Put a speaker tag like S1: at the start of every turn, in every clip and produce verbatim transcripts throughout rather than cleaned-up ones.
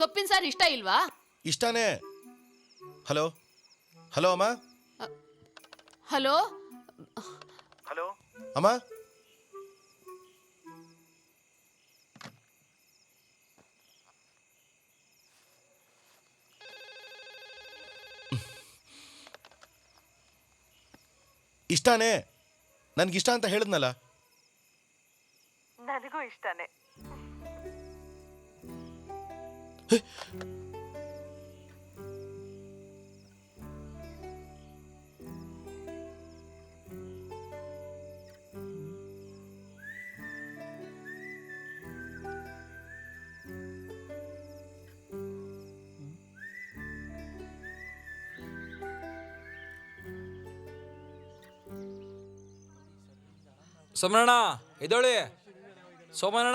S1: ಸೊಪ್ಪಿನ ಸಾರು ಇಷ್ಟ ಇಲ್ವಾ?
S2: ಇಷ್ಟಾನೇ. ಹಲೋ ಹಲೋ ಅಮ್ಮ.
S1: ಹಲೋ
S2: ಹಲೋ ಅಮ್ಮ. ಇಷ್ಟಾನೇ. ನನ್ಗಿಷ್ಟ ಅಂತ ಹೇಳಿದ್ನಲ್ಲ.
S3: ನನಗೂ ಇಷ್ಟನೇ.
S4: ಸೋಮಣ್ಣ ಎದೋಳಿ. ಸೋಮಣ್ಣ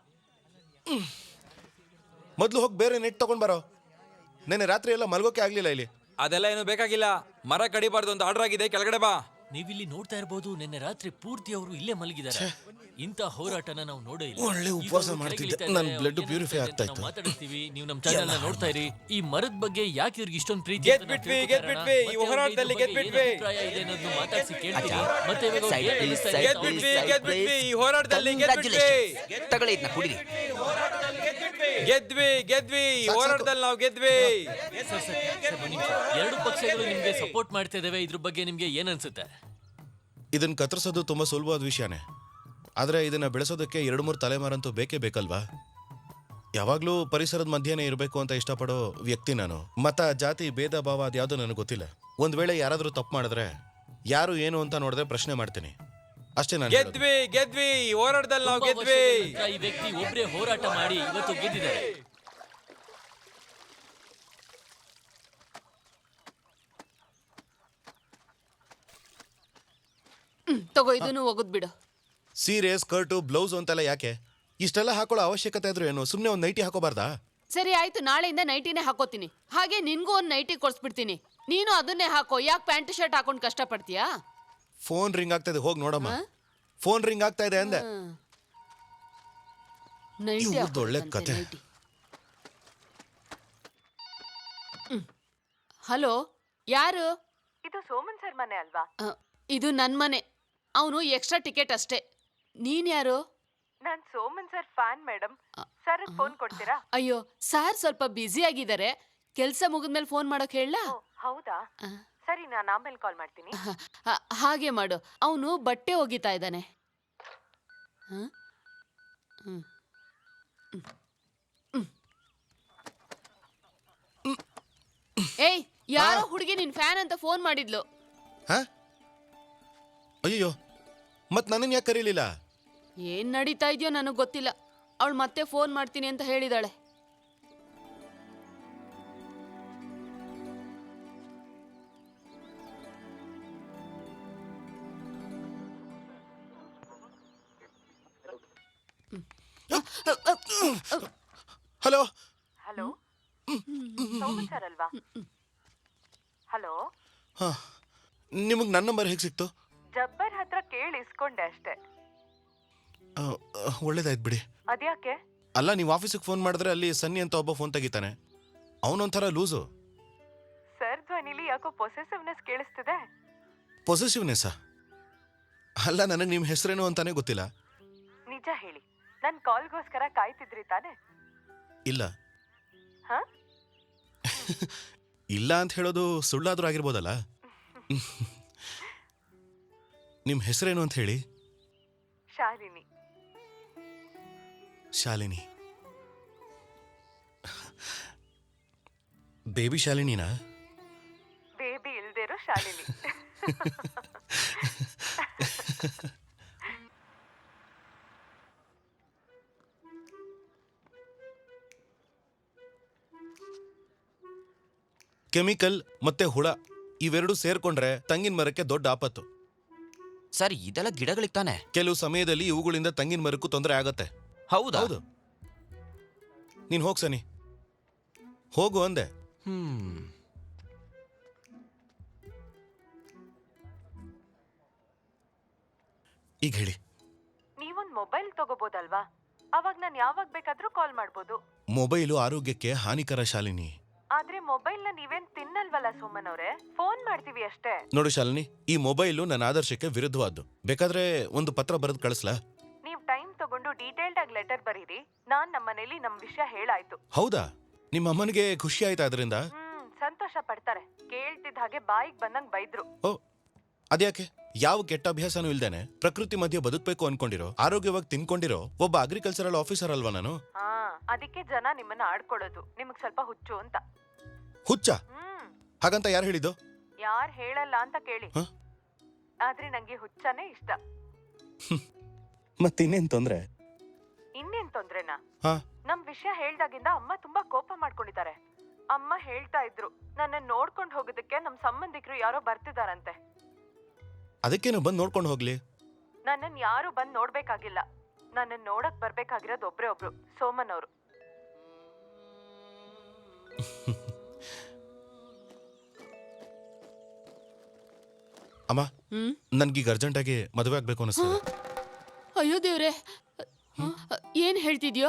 S2: ಮೊದಲು ಹೋಗಿ ಬೇರೆ ನೆಟ್ ತಗೊಂಡ್ ಬರೋ. ನೆನ್ನೆ ರಾತ್ರಿ ಎಲ್ಲ ಮಲ್ಗೋಕೆ ಆಗ್ಲಿಲ್ಲ ಇಲ್ಲಿ.
S4: ಅದೆಲ್ಲ ಏನು ಬೇಕಾಗಿಲ್ಲ. ಮರ ಕಡಿಬಾರ್ದು ಅಂತ ಆರ್ಡರ್ ಆಗಿದೆ, ಕೆಳಗಡೆ ಬಾ.
S5: ನೀವಿಲ್ಲಿ ನೋಡ್ತಾ ಇರಬಹುದು, ನಿನ್ನೆ ರಾತ್ರಿ ಪೂರ್ತಿ ಅವರು ಇಲ್ಲೇ ಮಲಗಿದ್ದಾರೆ. ಇಂಥ ಹೋರಾಟನ ನಾವು ನೋಡೇ ಇಲ್ಲ.
S2: ಒಳ್ಳೆ ಉಪವಾಸ ಮಾಡ್ತಿದ್ದೆ, ನನ್ನ ಬ್ಲಡ್ ಪ್ಯೂರಿಫೈ ಆಗ್ತಾ ಇತ್ತು.
S5: ಮಾತಾಡ್ತೀವಿ, ನೀವು ನಮ್ಮ ಚಾನೆಲ್ ನ ನೋಡ್ತಾ ಇರಿ. ಈ ಮರದ ಬಗ್ಗೆ ಯಾಕೆ ಇವ್ರಿಗೆ ಇಷ್ಟೊಂದು ಪ್ರೀತಿ
S4: ಗೆದ್ ಬಿಟ್ವಿ, ಗೆದ್ ಬಿಟ್ವಿ, ಈ ಹೋರಾಟದಲ್ಲಿ ಗೆದ್ ಬಿಟ್ವಿ.
S5: ಮಾತಾಡಿಸಿ ಕೇಳ್ತೀವಿ. ಮತ್ತೆ ಇವಾಗ ಅವ್ರು ಏನ್ ಹೇಳ್ತಾ ಇದ್ದಾರೆ
S4: ಗೆದ್ ಬಿಟ್ವಿ, ಗೆದ್ ಬಿಟ್ವಿ, ಈ ಹೋರಾಟದಲ್ಲಿ ಗೆದ್ ಬಿಟ್ವಿ.
S6: ತಗೊಳ್ಳಿ ಇದನ್ನ ಕುಡಿರಿ.
S4: ಗೆದ್ವಿ ಗೆದ್ವಿ, ಈ ಹೋರಾಟದಲ್ಲಿ ನಾವು ಗೆದ್ವಿ.
S5: ಸರ್, ಸರ್, ಸರ್, ಒಂದ್ ನಿಮಿಷ. ಎರಡು ಪಕ್ಷಗಳು ನಿಮ್ಗೆ ಸಪೋರ್ಟ್ ಮಾಡ್ತಾ ಇದಾವೆ. ಇದ್ರ ಬಗ್ಗೆ ನಿಮ್ಗೆ ಏನ್ ಅನ್ಸುತ್ತೆ?
S2: ಇದನ್ನ ಕತ್ತರಿಸೋದು ತುಂಬಾ ಸುಲಭವಾದ ವಿಷಯನೇ. ಆದರೆ ಇದನ್ನ ಬೆಳೆಸೋದಕ್ಕೆ ಎರಡು ಮೂರು ತಲೆಮಾರಂತೂ ಬೇಕೇ ಬೇಕಲ್ವಾ? ಯಾವಾಗಲೂ ಪರಿಸರದ ಮಧ್ಯೆನೇ ಇರಬೇಕು ಅಂತ ಇಷ್ಟಪಡೋ ವ್ಯಕ್ತಿ ನಾನು. ಮತ, ಜಾತಿ, ಭೇದ ಭಾವ ಅದ್ಯಾವುದೂ ನನಗೆ ಗೊತ್ತಿಲ್ಲ. ಒಂದ್ ವೇಳೆ ಯಾರಾದರೂ ತಪ್ಪು ಮಾಡಿದ್ರೆ ಯಾರು ಏನು ಅಂತ ನೋಡಿದ್ರೆ ಪ್ರಶ್ನೆ ಮಾಡ್ತೀನಿ ಅಷ್ಟೇ. ನಾನು
S4: ಗೆದ್ವಿ ಗೆದ್ವಿ, ಈ ಹೋರಾಟದಲ್ಲಿ ನಾವು
S5: ತುಂಬಾ
S4: ಗೆದ್ವಿ.
S5: ವರ್ಷಗಳ ನಂತರ ಈ ವ್ಯಕ್ತಿ ಒಬ್ರೇ ಹೋರಾಟ ಮಾಡಿ ಇವತ್ತು ಗೆದ್ದಿದ್ದಾರೆ.
S1: ಹ್ಮ್ ತಗೋ, ಇದನ್ನು ಒಗದ್ ಬಿಡು.
S2: ಸೀರೆ, ಸ್ಕರ್ಟು, ಬ್ಲೌಸ್ ಅಂತೆಲ್ಲ ಯಾಕೆ? ಇಷ್ಟೆಲ್ಲ ಹಾಕೊಳ್ಳೋ ಅವಶ್ಯಕತೆ ಇದ್ರು ಏನು? ಸುಮ್ಮನೆ ಒಂದು ನೈಟಿ ಹಾಕೋಬಾರ್ದಾ?
S1: ಸರಿ ಆಯ್ತು, ನಾಳೆಯಿಂದ ನೈಟಿನೇ ಹಾಕೋತೀನಿ. ಹಾಗೆ ನಿನ್ಗೂ ಒಂದು ನೈಟಿ ಕೊಡ್ಸ್ಬಿಡ್ತೀನಿ. ನೀನು ಅದನ್ನೇ ಹಾಕೋ. ಯಾಕೆ ಪ್ಯಾಂಟ್ ಶರ್ಟ್ ಹಾಕೊಂಡು ಕಷ್ಟ ಪಡ್ತೀಯಾ?
S2: ಫೋನ್ ರಿಂಗ್ ಆಗ್ತಾ ಇದೆ, ಹೋಗಿ ನೋಡಮ್ಮ. ಫೋನ್ ರಿಂಗ್ ಆಗ್ತಾ ಇದೆ ಅಂದೆ.
S1: ನೈಟಿ
S2: ಇವ್ರ್ದ್ ಒಳ್ಳೆ ಕತೆ.
S1: ಹಲೋ, ಯಾರು?
S3: ಇದು ಸೋಮನ್ ಸರ್ ಮನೆ ಅಲ್ವಾ?
S1: ಅ, ಇದು ನನ್ ಮನೆ. ಅವನು ಎಕ್ಸ್ಟ್ರಾ ಟಿಕೆಟ್ ಅಷ್ಟೇ. ನೀನ್ ಯಾರು?
S3: ನಾನ್ Soman sir fan madam. Sir phone ಕೊಡ್ತೀರಾ?
S1: ಅಯ್ಯೋ, ಸಾರ್ ಸ್ವಲ್ಪ ಬ್ಯುಸಿ ಆಗಿದ್ದಾರೆ. ಕೆಲ್ಸ ಮುಗಿದ್ಮೇಲೆ ಫೋನ್ ಮಾಡೋಕ್ ಹೇಳ?
S3: ಓ, ಹೌದಾ? ಸರಿ, ನಾನು ಆಮೇಲೆ ಕಾಲ್ ಮಾಡ್ತೀನಿ.
S1: ಹಾಗೆ ಮಾಡು. ಅವನು ಬಟ್ಟೆ ಒಗಿತಾ ಇದ್ದಾನೆ. ಏಯ್, ಯಾರೋ ಹುಡುಗಿ ನಿನ್ ಫ್ಯಾನ್ ಅಂತ ಫೋನ್ ಮಾಡಿದ್ಲು.
S2: ಹಾ? ಅಯ್ಯೋ, ಮತ್ ನನ್ನನ್ನು ಯಾಕೆ ಕರೀಲಿಲ್ಲ?
S1: ಏನ್ ನಡೀತಾ ಇದೆಯೋ ನನಗ್ ಗೊತ್ತಿಲ್ಲ. ಅವಳು ಮತ್ತೆ ಫೋನ್ ಮಾಡ್ತೀನಿ ಅಂತ ಹೇಳಿದಾಳೆ.
S2: ಹಲೋ
S3: ಹಲೋ, ಸೋಮನ್ ಸರ್ ಅಲ್ವಾ? ಹಲೋ,
S2: ಹಾ, ನಿಮಗೆ ನನ್ನ ನಂಬರ್ ಹೇಗೆ ಸಿಕ್ತು?
S3: ಜಬ್ಬರ್ ಹತ್ರ ಕೇಳಿ ಇಸ್ಕೊಂಡೆ ಅಷ್ಟೇ.
S2: ಆ, ಒಳ್ಳೇದಾಯ್ತು ಬಿಡಿ.
S3: ಅದ್ಯಾಕೆ?
S2: ಅಲ್ಲ, ನೀವು ಆಫೀಸಿಗೆ ಫೋನ್ ಮಾಡಿದ್ರೆ ಅಲ್ಲಿ ಸನ್ನಿ ಅಂತ ಒಬ್ಬ ಫೋನ್ ತೆಗಿತಾನೆ. ಅವನೊಂಥರ ಲೂಸು.
S3: ಸರ್ ಧ್ವನಿಲಿ ಯಾಕೋ ಪೊಸೆಸಿವ್ನೆಸ್ ಕೇಳಿಸ್ತಿದೆ.
S2: ಪೊಸೆಸಿವ್ನೆಸ್ಸಾ? ಅಲ್ಲ, ನನಗೆ ನಿಮ್ಮ ಹೆಸರೇನು ಅಂತಾನೆ ಗೊತ್ತಿಲ್ಲ.
S3: ನಿಜ ಹೇಳಿ, ನನ್ ಕಾಲ್ಗೋಸ್ಕರ ಕಾಯ್ತಿದ್ರಿ ತಾನೆ?
S2: ಇಲ್ಲ.
S3: ಹಾ?
S2: ಇಲ್ಲ ಅಂತ ಹೇಳೋದು ಸುಳ್ಳಾದ್ರೂ ಆಗಿರ್ಬೋದಲ್ಲ. ನಿಮ್ಮ ಹೆಸರೇನು ಅಂತ ಹೇಳಿ.
S3: ಶಾಲಿನಿ.
S2: ಶಾಲಿನಿ. ಬೇಬಿ ಶಾಲಿನಿನಾ?
S3: ಬೇಬಿ ಇಲ್ದಿರೋ ಶಾಲಿನಿ.
S2: ಕೆಮಿಕಲ್ ಮತ್ತೆ ಹುಳ ಇವೆರಡು ಸೇರ್ಕೊಂಡ್ರೆ ತಂಗಿನ ಮರಕ್ಕೆ ದೊಡ್ಡ ಆಪತ್ತು.
S6: ಸರ್, ಇದೆಲ್ಲ ಗಿಡಗಳಿಗೆ ತಾನೆ?
S2: ಕೆಲವು ಸಮಯದಲ್ಲಿ ಇವುಗಳಿಂದ ತಂಗಿನ ಮರಕ್ಕೂ ತೊಂದರೆ ಆಗತ್ತೆ.
S6: ಹೌದಾ?
S2: ಹೌದು. ನೀನ್ ಹೋಗ್ ಸನಿ, ಹೋಗು ಅಂದೆ.
S6: ಹ್ಮ್
S2: ಈಗ ಹೇಳಿ.
S3: ನೀವೊಂದ್ ಮೊಬೈಲ್ ತಗೋಬೋದಲ್ವಾ? ಅವಾಗ ನಾನು ಯಾವಾಗ ಬೇಕಾದ್ರೂ ಕಾಲ್ ಮಾಡ್ಬೋದು.
S2: ಮೊಬೈಲು ಆರೋಗ್ಯಕ್ಕೆ ಹಾನಿಕರ ಶಾಲಿನಿ.
S3: ಆದ್ರೆ ಮೊಬೈಲ್ ನ ನೀವೇನ್ ತಿನ್ನಲ್ವಲ್ಲ ಸುಮನ್ ಅವ್ರೆ, ಫೋನ್ ಮಾಡ್ತೀವಿ ಅಷ್ಟೇ.
S2: ನೋಡು ಶಾಲಿನಿ, ಈ ಮೊಬೈಲು ನನ್ನ ಆದರ್ಶಕ್ಕೆ ವಿರುದ್ಧವಾದ್ದು. ಬೇಕಾದ್ರೆ ಒಂದು ಪತ್ರ ಬರೆದು ಕಳಿಸ್ಲಾ?
S3: ನೀವ್ ಟೈಮ್ ತಗೊಂಡು ಡೀಟೇಲ್ಡ್ ಆಗಿ ಲೆಟರ್ ಬರೀರಿ. ನಾನ್ ನಮ್ಮನೇಲಿ ನಮ್ ವಿಷಯ ಹೇಳಾಯ್ತು.
S2: ಹೌದಾ? ನಿಮ್ಮ ಅಮ್ಮನಿಗೆ ಖುಷಿ ಆಯ್ತಾ ಅದರಿಂದ?
S3: ಹ್ಮ್ ಸಂತೋಷ ಪಡ್ತಾರೆ. ಕೇಳ್ತಿದ್ದ ಹಾಗೆ ಬಾಯಿಗೆ ಬಂದಂಗ್ ಬೈದ್ರು.
S2: ಓ, ಅದ್ಯಾಕೆ? ಯಾವ ಕೆಟ್ಟ ಅಭ್ಯಾಸನೂ ಇಲ್ದೇನೆ ಪ್ರಕೃತಿ ಮಧ್ಯೆ ಬದುಕಬೇಕು ಅನ್ಕೊಂಡಿರೋ, ಆರೋಗ್ಯವಾಗಿ ತಿನ್ಕೊಂಡಿರೋ ಒಬ್ಬ ಅಗ್ರಿಕಲ್ಚರಲ್ ಆಫೀಸರ್ ಅಲ್ವಾ ನಾನು?
S3: ಹಾ, ಅದಕ್ಕೆ ಜನ ನಿಮ್ಮನ್ನ ಆಡ್ಕೊಳ್ಳೋದು. ನಿಮಗ್ ಸ್ವಲ್ಪ ಹುಚ್ಚು ಅಂತ.
S2: ಹುಚ್ಚ?
S3: ಹ್ಮ್
S2: ಹಾಗಂತ ಯಾರು ಹೇಳಿದ್ದು?
S3: ಯಾರ್ ಹೇಳಲ್ಲ ಅಂತ ಕೇಳಿ.
S2: ಹ?
S3: ಆದ್ರೆ ನಂಗೆ ಹುಚ್ಚನೇ ಇಷ್ಟ.
S2: ಮತ್ತಿನ್ನೇನ್ ತೊಂದ್ರೆ?
S3: ಇನ್ನೇನ್ ತೊಂದ್ರೆನಾ?
S2: ಹಾ,
S3: ನಮ್ ವಿಷಯ ಹೇಳ್ದಾಗಿಂದ ಅಮ್ಮ ತುಂಬಾ ಕೋಪ ಮಾಡ್ಕೊಂಡಿದ್ದಾರೆ. ಅಮ್ಮ ಹೇಳ್ತಾ ಇದ್ರು, ನನ್ನ ನೋಡ್ಕೊಂಡ್ ಹೋಗೋದಕ್ಕೆ ನಮ್ ಸಂಬಂಧಿಕರು ಯಾರೋ ಬರ್ತಿದಾರಂತೆ.
S2: ಅದಕ್ಕೇನು ಬಂದು ನೋಡ್ಕೊಂಡು ಹೋಗ್ಲಿ?
S3: ನನ್ನನ್ ಯಾರು ಬಂದ್ ನೋಡ್ಬೇಕಾಗಿಲ್ಲ. ನನ್ನನ್ ನೋಡಕ್ ಬರ್ಬೇಕಾಗಿರೋದು ಒಬ್ರೇ ಒಬ್ರು, ಸೋಮನ್ ಅವರು.
S2: ಅಮ್ಮ,
S1: ಹ್ಮ್
S2: ನನ್ಗೀಗ ಅರ್ಜೆಂಟ್ ಆಗಿ ಮದುವೆ ಆಗ್ಬೇಕು ಅನಿಸ್ತದೆ.
S1: ಅಯ್ಯೋ ದೇವ್ರೆ, ಏನ್ ಹೇಳ್ತಿದ್ಯೋ?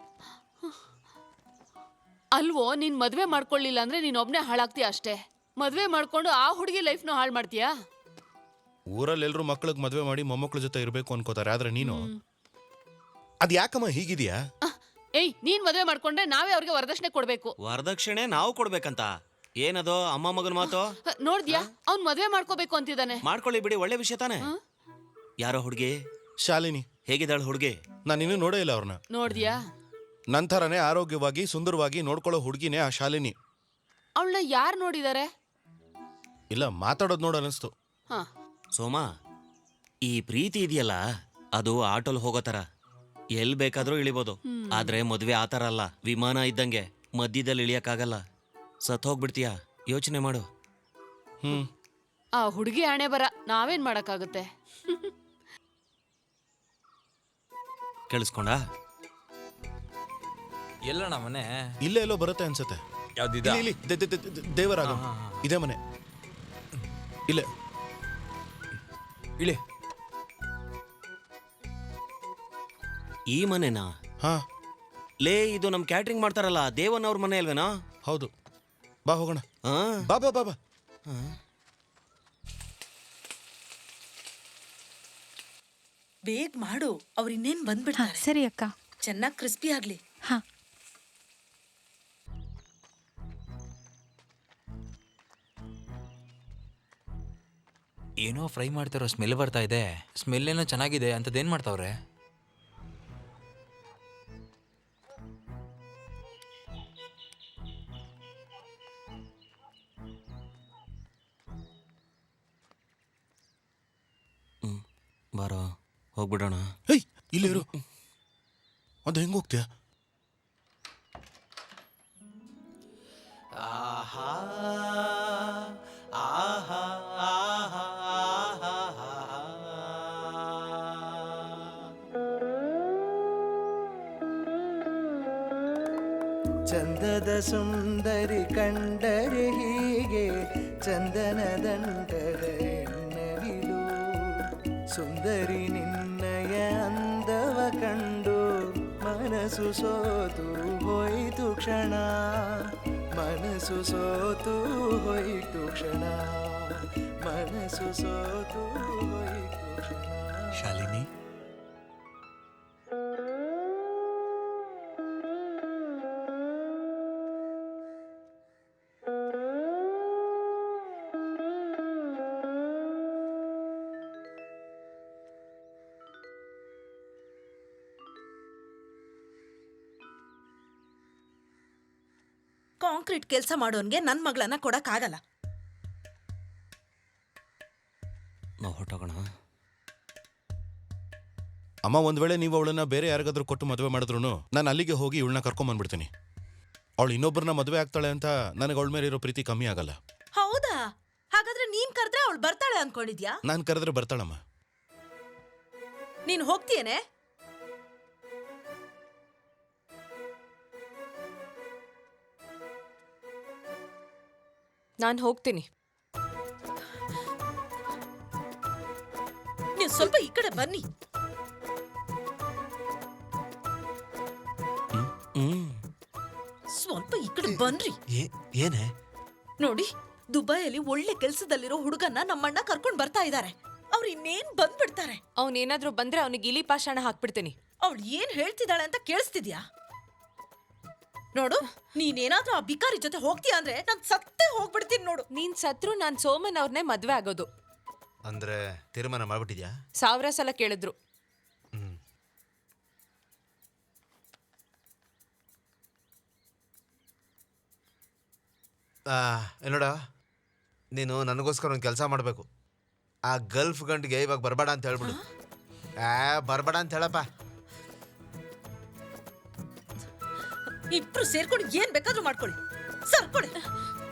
S1: ಅಲ್ವೋ, ನೀನ್ ಮದ್ವೆ ಮಾಡ್ಕೊಳ್ಳಿಲ್ಲ ಅಂದ್ರೆ ನೀನ್ ಒಬ್ನೇ ಹಾಳಾಗ್ತೀಯ ಅಷ್ಟೇ. ಮದ್ವೆ ಮಾಡ್ಕೊಂಡು ಆ ಹುಡುಗಿ ಲೈಫ್ನು ಹಾಳು ಮಾಡ್ತೀಯಾ?
S2: ಊರಲ್ಲಿ ಎಲ್ರು ಮಕ್ಳಿಗೆ ಮದುವೆ ಮಾಡಿ ಮೊಮ್ಮಕ್ಳ ಜೊತೆ ಇರ್ಬೇಕು ಅನ್ಕೋತಾರೆ, ಆದ್ರೆ ನೀನು ಅದ್ ಯಾಕಮ್ಮ ಹೀಗಿದ್ಯಾ?
S1: ಅಹ್, ಏಯ್, ನೀನ್ ಮದ್ವೆ ಮಾಡ್ಕೊಂಡ್ರೆ ನಾವೇ ಅವ್ರಿಗೆ ವರದಕ್ಷಿಣೆ ಕೊಡ್ಬೇಕು.
S7: ವರದಕ್ಷಿಣೆ ನಾವು ಕೊಡ್ಬೇಕಂತ ಏನದು ಅಮ್ಮ ಮಗನ ಮಾತು?
S1: ಅಹ್, ನೋಡ್ದ್ಯಾ, ಅವ್ನ್ ಮದ್ವೆ ಮಾಡ್ಕೋಬೇಕು ಅಂತಿದ್ದಾನೆ.
S7: ಮಾಡ್ಕೊಳ್ಳಿ ಬಿಡಿ, ಒಳ್ಳೆ ವಿಷಯ ತಾನೆ. ಯಾರೋ ಹುಡುಗಿ
S2: ಶಾಲಿನಿ.
S7: ಹೇಗಿದ್ದಾಳು ಹುಡುಗಿ?
S2: ನಾನು ಇನ್ನೂ ನೋಡೇ ಇಲ್ಲ ಅವ್ರನ್ನ.
S1: ನೋಡ್ದ್ಯಾ?
S2: ನಂತರನೇ ಆರೋಗ್ಯವಾಗಿ ಸುಂದರವಾಗಿ ನೋಡ್ಕೊಳ್ಳೋ ಹುಡುಗಿನೇ ಆ ಶಾಲಿನಿ.
S1: ಅವಳನ್ನ ಯಾರು ನೋಡಿದಾರೆ?
S2: ಇಲ್ಲ, ಮಾತಾಡೋದು ನೋಡ ಅನಿಸ್ತು.
S1: ಹಾ,
S7: ಸೋಮ, ಈ ಪ್ರೀತಿ ಇದೆಯಲ್ಲ, ಅದು ಆಟೋಲ್ ಹೋಗೋ ತರ ಎಲ್ ಬೇಕಾದ್ರೂ ಇಳಿಬೋದು. ಆದ್ರೆ ಮದ್ವೆ ಆತರ ಅಲ್ಲ, ವಿಮಾನ ಇದ್ದಂಗೆ ಮಧ್ಯದಲ್ಲಿ ಇಳಿಯಕ್ಕಾಗಲ್ಲ. ಸತ್ ಹೋಗ್ಬಿಡ್ತೀಯ, ಯೋಚನೆ ಮಾಡು.
S2: ಹ್ಮ್
S1: ಆ ಹುಡುಗಿ ಹಣೆ ಬರ, ನಾವೇನ್ ಮಾಡಕ್ಕಾಗುತ್ತೆ?
S7: ಕೇಳಿಸ್ಕೊಂಡ?
S4: ಎಲ್ಲಣ್ಣ ಮನೆ?
S2: ಇಲ್ಲೇ ಎಲ್ಲೋ ಬರುತ್ತೆ ಅನ್ಸತ್ತೆ.
S4: ಯಾವ್ದಿದ?
S2: ಇಲ್ಲಿ, ಇಲ್ಲಿ, ದೆ- ದೆ- ದೆ- ದೆ- ದೇವರಾಗ ಇದೇ ಮನೆ. ಇಲ್ಲೇ
S4: ಇಳಿ.
S7: ಈ ಮನೆನಾ?
S2: ಹಾ,
S7: ಲೇ, ಇದು ನಮ್ ಕ್ಯಾಟ್ರಿಂಗ್ ಮಾಡ್ತಾರಲ್ಲ ದೇವನ್ ಅವ್ರ ಮನೆ ಅಲ್ವೇನಾ?
S2: ಹೌದು. ಬಾ ಹೋಗೋಣ.
S7: ಹಾ,
S2: ಬಾ ಬಾ ಬಾ ಬಾ.
S8: ಬೇಗ ಮಾಡು, ಅವ್ರು ಇನ್ನೇನ್ ಬಂದ್ಬಿಡ್ತಾರೆ.
S9: ಸರಿ ಅಕ್ಕ.
S8: ಚೆನ್ನಾಗಿ ಕ್ರಿಸ್ಪಿ ಆಗ್ಲಿ.
S9: ಹಾ,
S4: ಏನೋ ಫ್ರೈ ಮಾಡ್ತಾರೋ ಸ್ಮೆಲ್ ಬರ್ತಾ ಇದೆ. ಸ್ಮೆಲ್ ಏನೋ ಚೆನ್ನಾಗಿದೆ. ಅಂತದೇನ್ ಮಾಡ್ತಾವ್ರೆ?
S7: ಹ್ಮ್ ಬಾರೋ ಹೋಗ್ಬಿಡೋಣ.
S2: ಹೇಯ್, ಇಲ್ಲಿ ಇರು. ಅದು ಹೆಂಗ್ ಹೋಗ್ತೀಯ?
S10: ಚಂದದ ಸುಂದರಿ ಕಂಡರೆ ಹೀಗೆ ಚಂದನ ದಂಡದ ಎನ್ನವಿಲು. ಸುಂದರಿ ನಿನ್ನಯ ಅಂದವ ಕಂಡು ಮನಸ್ಸು ಸೋತು ಹೋಯಿತು ಕ್ಷಣ. ಮನಸ್ಸು ಸೋತು ಹೋಯಿತು ಕ್ಷಣ. ಮನಸ್ಸು ಸೋತು ಹೋಯಿತು ಕ್ಷಣ.
S4: ಶಾಲಿನಿ,
S8: ಕಾಂಕ್ರೀಟ್ ಕೆಲಸ ಮಾಡೋನ್ಗೆ ನನ್ ಮಗಳನ್ನ ಕೊಡಕ್ ಆಗಲ್ಲ.
S7: ನಾವು ಹೊಟ್ಟೋಗೋಣ.
S2: ಅಮ್ಮ, ಒಂದ್ ವೇಳೆ ನೀವು ಅವಳನ್ನ ಬೇರೆ ಯಾರಿಗಾದ್ರೂ ಕೊಟ್ಟು ಮದುವೆ ಮಾಡಿದ್ರು ನಾನು ಅಲ್ಲಿಗೆ ಹೋಗಿ ಇವಳನ್ನ ಕರ್ಕೊಂಡ್ ಬಂದ್ಬಿಡ್ತೀನಿ. ಅವಳು ಇನ್ನೊಬ್ಬರನ್ನ ಮದುವೆ ಆಗ್ತಾಳೆ ಅಂತ ನನಗೆ ಅವಳ ಮೇಲೆ ಇರೋ ಪ್ರೀತಿ ಕಮ್ಮಿ ಆಗಲ್ಲ.
S8: ಹೌದಾ? ಹಾಗಾದ್ರೆ ನೀನ್ ಕರೆದ್ರೆ ಅವಳು ಬರ್ತಾಳೆ ಅನ್ಕೊಂಡಿದ್ಯಾ?
S2: ನಾನು ಕರೆದ್ರೆ ಬರ್ತಾಳಮ್ಮ.
S8: ನೀನ್ ಹೋಗ್ತೀಯೇನೆ?
S9: ನಾನು ಹೋಗ್ತೀನಿ.
S8: ನೀವು ಸ್ವಲ್ಪ ಈ ಕಡೆ ಬನ್ನಿ.
S7: ಹ್ಮ್
S8: ಕಡೆ ಬನ್ರಿ.
S9: ಏನೇ?
S8: ನೋಡಿ, ದುಬೈಯಲ್ಲಿ ಒಳ್ಳೆ ಕೆಲ್ಸದಲ್ಲಿರೋ ಹುಡುಗನ್ನ ನಮ್ಮಣ್ಣ ಕರ್ಕೊಂಡ್ ಬರ್ತಾ ಇದ್ದಾರೆ. ಅವ್ರು ಇನ್ನೇನ್ ಬಂದ್ಬಿಡ್ತಾರೆ.
S11: ಅವನೇನಾದ್ರೂ ಬಂದ್ರೆ ಅವನಿಗೆ ಇಲಿ ಪಾಷಾಣ ಹಾಕ್ಬಿಡ್ತೀನಿ.
S8: ಅವಳು ಏನ್ ಹೇಳ್ತಿದ್ದಾಳೆ ಅಂತ ಕೇಳಿಸ್ತಿದ್ಯಾ? ನೋಡು, ನೀನೇನಾದ್ರೂ ಆ ಬಿಕಾರಿ ಜೊತೆ ಹೋಗ್ತೀಯ ಅಂದ್ರೆ ನಾನ್ ಸತ್ತೇ ಹೋಗ್ಬಿಡ್ತೀನಿ ನೋಡು.
S11: ನೀನ್ ಸತ್ರು ನಾನ್ ಸೋಮನ್ ಅವ್ರನ್ನೇ ಮದ್ವೆ ಆಗೋದು.
S9: ಅಂದ್ರೆ ತೀರ್ಮಾನ ಮಾಡ್ಬಿಟ್ಟಿದ್ಯಾ?
S11: ಸಾವಿರ ಸಲ ಕೇಳಿದ್ರು.
S9: ಹ್ಮ್. ಏನೋಡ, ನೀನು ನನಗೋಸ್ಕರ ಒಂದು ಕೆಲಸ ಮಾಡಬೇಕು. ಆ ಗಲ್ಫ್ ಗಂಟಿಗೆ ಇವಾಗ ಬರಬೇಡ ಅಂತ ಹೇಳ್ಬಿಡು. ಆ ಬರಬೇಡ ಅಂತ ಹೇಳಪ್ಪ.
S8: ಇಬ್ರು ಸೇರ್ಕೊಂಡು ಏನ್ ಬೇಕಾದ್ರೂ ಮಾಡ್ಕೊಳ್ಳಿ. ಸರ್ಕೊಳ್ಳಿ.